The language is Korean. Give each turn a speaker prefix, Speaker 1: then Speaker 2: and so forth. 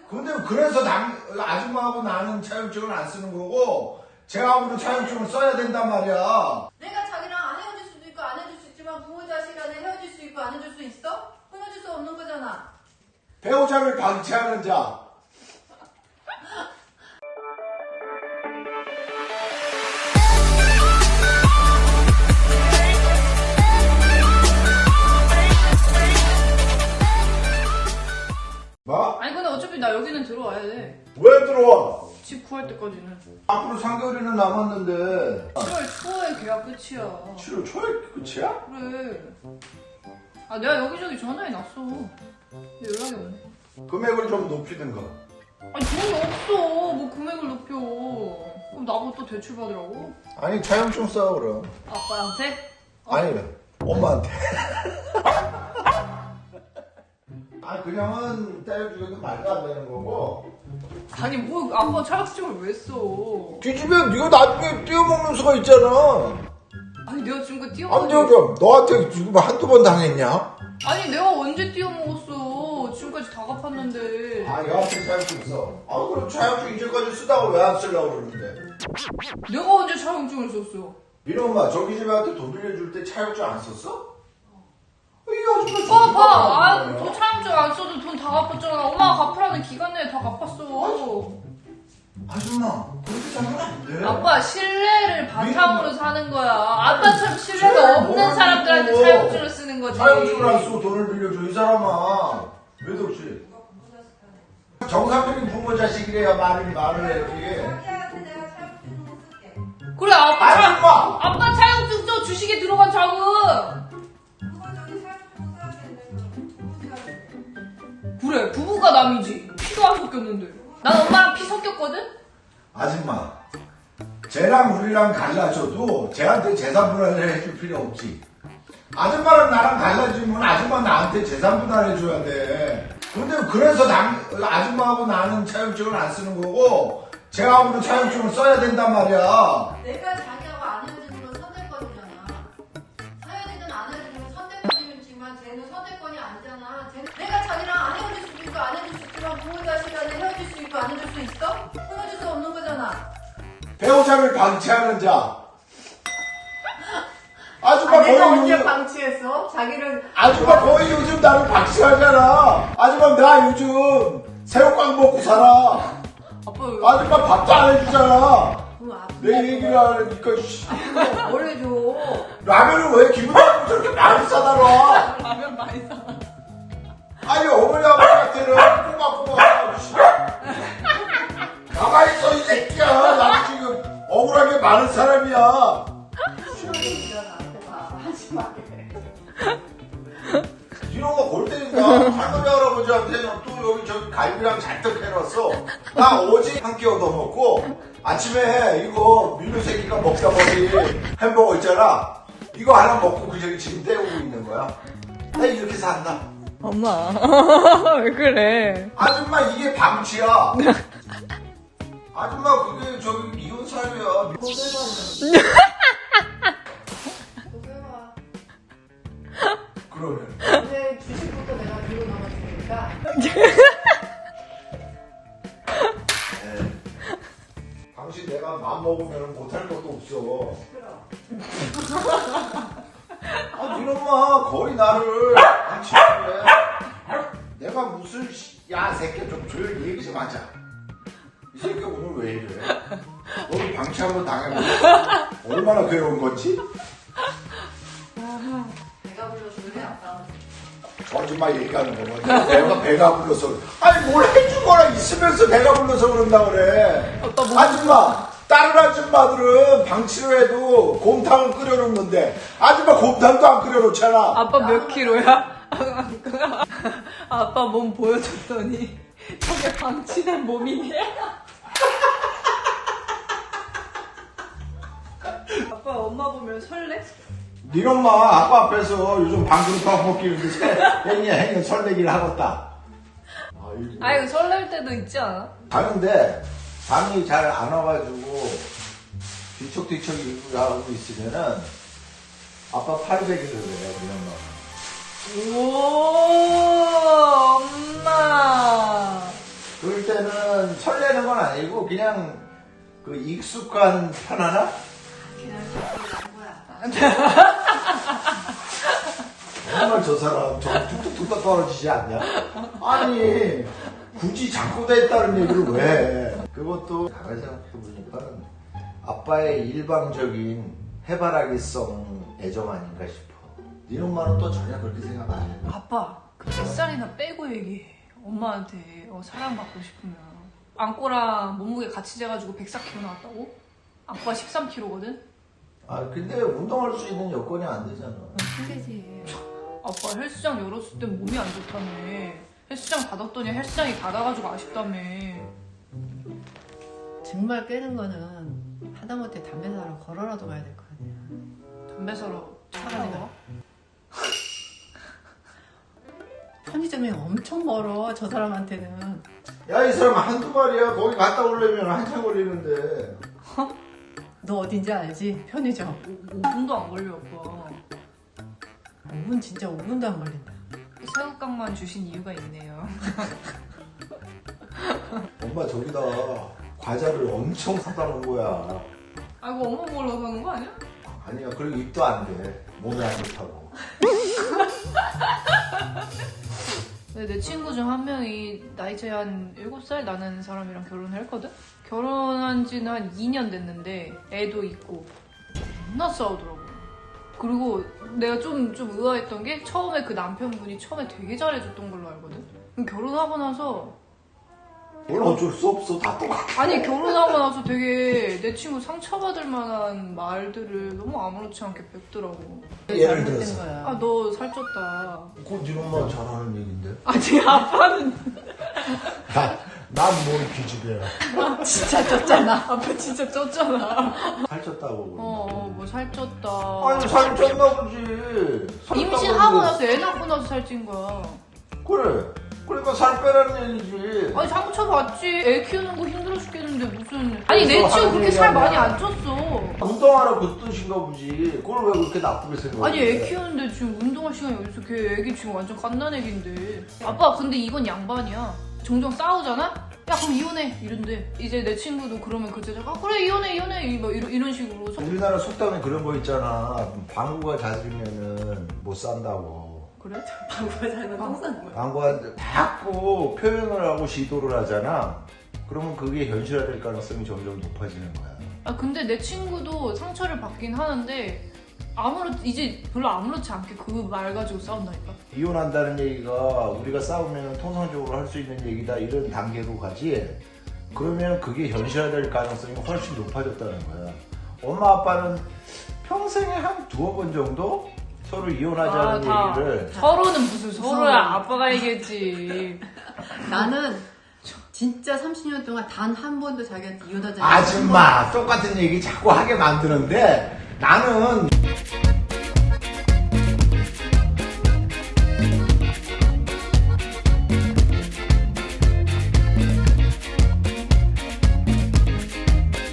Speaker 1: 근데 그래서 아줌마하고 나는 차용증을 안 쓰는 거고 쟤하고는 차용증을 써야 된단 말이야.
Speaker 2: 내가 자기랑 안 헤어질 수도 있고 안 헤어질 수 있지만 부모 자식 간에 헤어질 수 있고 안 헤어질 수 있어? 끊어질 수 없는 거잖아.
Speaker 1: 배우자를 방치하는 자. 뭐?
Speaker 2: 아니 근데 어차피 나 여기는 들어와야 돼.
Speaker 1: 왜 들어와?
Speaker 2: 집 구할 때까지는.
Speaker 1: 앞으로 3개월이나 남았는데
Speaker 2: 7월 초에 계약 끝이야.
Speaker 1: 7월 초에 끝이야?
Speaker 2: 그래. 아 내가 여기저기 전화해 놨어. 근데 연락이 없네.
Speaker 1: 금액을 좀 높이든가.
Speaker 2: 아니 돈이 없어. 뭐 금액을 높여. 그럼 나보고 또 대출 받으라고?
Speaker 1: 아니 차용증 써 그럼.
Speaker 2: 아빠한테?
Speaker 1: 아니 엄마한테. 아 그냥은 떼어주기도 말도 안 되는 거고.
Speaker 2: 아니 뭐 아빠 차약증을 왜 써?
Speaker 1: 뒤집으면 네가 나중에 띄워먹는 수가 있잖아.
Speaker 2: 아니 내가 지금 그
Speaker 1: 안
Speaker 2: 띄워.
Speaker 1: 띄워줘. 너한테 지금 한두 번 당했냐?
Speaker 2: 아니 내가 언제 띄워 먹었어? 지금까지 다 갚았는데.
Speaker 1: 아 여하튼 차용증 써. 아 그럼 차용증 이제까지 쓰다가 왜 안 쓰려고 그러는데?
Speaker 2: 내가 언제 차용증을 썼어?
Speaker 1: 민호 엄마 저기 집한테 돈 빌려줄 때 차용증 안 썼어? 이 아줌마
Speaker 2: 봐. 너 차용증 안 써도 돈 다 갚았잖아. 엄마가 갚으라는 기간 내에 다 갚았어.
Speaker 1: 아줌마 그렇게 살면 안 돼.
Speaker 2: 아빠 신뢰를 바탕으로 사는 거야. 아빠처럼 신뢰가 없는 사람들한테
Speaker 1: 없고.
Speaker 2: 차용증을 쓰는 거지.
Speaker 1: 차용증을 안 쓰고 돈을 빌려줘 이 사람아. 왜 그렇지? 정상적인 부모 자식이래야 말을 해야지.
Speaker 3: 자기한테 내가 차용증 못 쓸게.
Speaker 2: 그래
Speaker 1: 아줌마!
Speaker 2: 아빠 차용증 써. 주식에 들어간 자금.
Speaker 3: 그거 저기 차용증 써야 되는데.
Speaker 2: 그래 부부가 남이지. 피도 안 섞였는데. 난 엄마랑 피 섞였거든?
Speaker 1: 아줌마 쟤랑 우리랑 갈라져도 쟤한테 재산 분할을 해줄 필요 없지. 아줌마랑 나랑 갈라지면 아줌마 나한테 재산 분할해 줘야 돼. 근데 그래서 아줌마하고 나는 차용증을 안 쓰는 거고 쟤하고는 차용증을 써야 된단 말이야.
Speaker 2: 내가 자기하고 안 헤어지는 건 선택권이잖아. 헤어지든 안 헤어지든 선택권이지만 쟤는 선택권이 아니잖아. 내가 자기랑 안 헤어질 수도 있고 안 헤어질 수 있지만 부모 자식 간에 헤어질 수 있고 안 헤어질 수 있어? 끊어질 수 없는 거잖아.
Speaker 1: 배우자를 방치하는 자. 아줌마
Speaker 2: 내가
Speaker 1: 거의
Speaker 2: 언제
Speaker 1: 요즘
Speaker 2: 방치했어? 자기를
Speaker 1: 아줌마 거의 요즘 나를 방치하잖아. 아줌마 나 요즘 새우깡 먹고 살아.
Speaker 2: 아빠 왜
Speaker 1: 아줌마 밥도 안 해주잖아.
Speaker 2: 그거 아빠
Speaker 1: 내 얘기를 하니까 씨.
Speaker 2: 뭘 해줘?
Speaker 1: 라면을 왜 기분 나쁘고 저렇게 많이 싸다 놔?
Speaker 2: 라면 많이 사.
Speaker 1: 아니 어머니 아버지한테는 꼬박꼬박 씨. 가만히 있어 이 새끼야. 나도 지금 억울하게 많은 사람이야.
Speaker 2: 하지 마.
Speaker 1: 이놈아 골 때린다. 할머니 할아버지한테는 또 여기 저기 갈비랑 잔뜩 해놨어. 나 어제 한 끼 얻어먹고 아침에 이거 민우새끼가 먹다 버리 햄버거 있잖아. 이거 하나 먹고 그 저기 지금 때우고 있는 거야. 나 이렇게 산다.
Speaker 2: 엄마 왜 그래?
Speaker 1: 아줌마 이게 방치야. 아줌마 그게 저기 이혼 사유야.
Speaker 2: 고백아.
Speaker 1: 그러면
Speaker 2: 근데 주식부터 내가 들고 나가주니까.
Speaker 1: 당신 내가 맘 먹으면 못할 것도 없어. 아, 네 엄마 거의 나를 방치해. 내가 무슨 야 새끼 좀 조용히 얘기 좀 하자. 이 새끼 오늘 왜 이래? 너도 방치 한번 당해보자. 얼마나 괴로운 건지?
Speaker 2: 내가 불러줄래 아빠?
Speaker 1: 거짓말 얘기하는 거거든. 내가 배가 불러서. 아니 뭘 해준 거나 있으면서 배가 불러서 그런다 그래. 아줌마 다른 아줌마들은 방치를 해도 곰탕을 끓여놓는데 아줌마 곰탕도 안 끓여놓잖아.
Speaker 2: 아빠 몇 킬로야? 아빠 몸 보여줬더니 저게 방치된 몸이네. 아빠 엄마 보면 설레?
Speaker 1: 네 엄마 아빠 앞에서 요즘 방구를 퍼먹기는데 행여 설레기를 하겠다.
Speaker 2: 아이고 설렐 때도 있지 않아?
Speaker 1: 가는데 잠이 잘 안 와가지고 뒤척뒤척 하고 있으면은 아빠 800일을 그래 네 엄마.
Speaker 2: 오 엄마
Speaker 1: 그럴 때는 설레는 건 아니고 그냥 그 익숙한 편하나?
Speaker 2: 그냥 저거 난 거야.
Speaker 1: 정말 저 사람 저 뚝뚝뚝뚝 떨어지지 않냐? 아니 굳이 자꾸 됐다는 얘기를 왜 해? 그것도 가만히 생각해보니까 아빠의 일방적인 해바라기성 애정 아닌가 싶어. 네 엄마는 또 전혀 그렇게 생각 안 해.
Speaker 4: 아빠, 그 뱃살이나 빼고 얘기해. 엄마한테 사랑받고 싶으면. 안꼬랑 몸무게 같이 재가지고 104kg 나왔다고? 안꼬가 13kg거든?
Speaker 1: 아 근데 운동할 수 있는 여건이 안 되잖아.
Speaker 2: 힘들지.
Speaker 4: 아빠 헬스장 열었을 땐 몸이 안 좋다며. 헬스장 닫았더니 헬스장이 닫아가지고 아쉽다며.
Speaker 2: 정말 깨는 거는 하다못해 담배 사러 걸어라도 가야 될 거 아니야.
Speaker 4: 담배 사러
Speaker 2: 차가
Speaker 4: 차가
Speaker 2: 내가. 편의점이 엄청 멀어, 저 사람한테는.
Speaker 1: 야 이 사람 한두 마리야. 거기 갔다 오려면 한참 걸리는데.
Speaker 2: 너 어딘지 알지? 편의점.
Speaker 4: 5분도 안 걸려, 아빠.
Speaker 2: 5분 진짜 5분도 안 걸린다.
Speaker 4: 새우깡만 주신 이유가 있네요.
Speaker 1: 엄마 저기다 과자를 엄청 사다 놓은 거야.
Speaker 4: 아이고, 엄마 몰라서 하는 거 아니야?
Speaker 1: 아니야 그리고 입도 안 돼. 몸에 안 좋다고.
Speaker 4: 내 친구 중 한 명이 나이 차이 한 7살 나는 사람이랑 결혼을 했거든? 결혼한 지는 한 2년 됐는데 애도 있고 겁나 싸우더라고. 그리고 내가 좀 의아했던 게 처음에 그 남편분이 처음에 되게 잘해줬던 걸로 알거든? 그럼 결혼하고 나서
Speaker 1: 뭘 어쩔 수 없어. 다 똑같아.
Speaker 4: 아니 결혼하고 나서 되게 내 친구 상처받을 만한 말들을 너무 아무렇지 않게 뱉더라고.
Speaker 1: 예를
Speaker 2: 잘못된
Speaker 1: 들어서.
Speaker 2: 거야.
Speaker 4: 아 너 살쪘다.
Speaker 1: 그건 네 엄마 잘하는 얘긴데.
Speaker 4: 아니 아빠는
Speaker 1: 난뭘 기집애야.
Speaker 2: 진짜 쪘잖아.
Speaker 4: 아빠 진짜 쪘잖아.
Speaker 1: 살쪘다고.
Speaker 4: 뭐 살쪘다.
Speaker 1: 아니 살쪘나 보지.
Speaker 4: 임신하고 나서 애 낳고 나서 살찐 거야.
Speaker 1: 그래. 그러니까 살 빼라는 얘기지.
Speaker 4: 아니 상처 받지. 애 키우는 거 힘들어 죽겠는데 무슨. 아니 내
Speaker 1: 그래서
Speaker 4: 친구
Speaker 1: 하는
Speaker 4: 그렇게 살
Speaker 1: 얘기야.
Speaker 4: 많이 안 쪘어.
Speaker 1: 운동하라 그 뜻인가 보지. 그걸 왜 그렇게 나쁘게 생각해?
Speaker 4: 아니 애 키우는데 지금 운동할 시간이 어딨어. 걔 애기 지금 완전 갓난 애기인데. 아빠 근데 이건 양반이야. 종종 싸우잖아? 야 그럼 이혼해 이런데. 이제 내 친구도 그러면 그 제자가 그래 이혼해 뭐 이런 식으로.
Speaker 1: 우리나라 속담에 그런 거 있잖아. 방구가 잦으면은 못 산다고.
Speaker 4: 그래?
Speaker 2: 방구가 잘못 똥 싸는 거야.
Speaker 1: 방구한테 자꾸 표현을 하고 시도를 하잖아. 그러면 그게 현실화될 가능성이 점점 높아지는 거야.
Speaker 4: 아 근데 내 친구도 상처를 받긴 하는데 이제 별로 아무렇지 않게 그 말 가지고 싸운다니까.
Speaker 1: 이혼한다는 얘기가 우리가 싸우면 통상적으로 할 수 있는 얘기다 이런 단계로 가지. 그러면 그게 현실화될 가능성이 훨씬 높아졌다는 거야. 엄마 아빠는 평생에 한 두어 번 정도 서로 이혼하자는 얘기를.
Speaker 4: 서로는 무슨 서로야. 아빠가 얘기했지.
Speaker 2: 나는 진짜 30년 동안 단 한 번도 자기한테 이혼하자.
Speaker 1: 아줌마 똑같은 얘기 자꾸 하게 만드는데 나는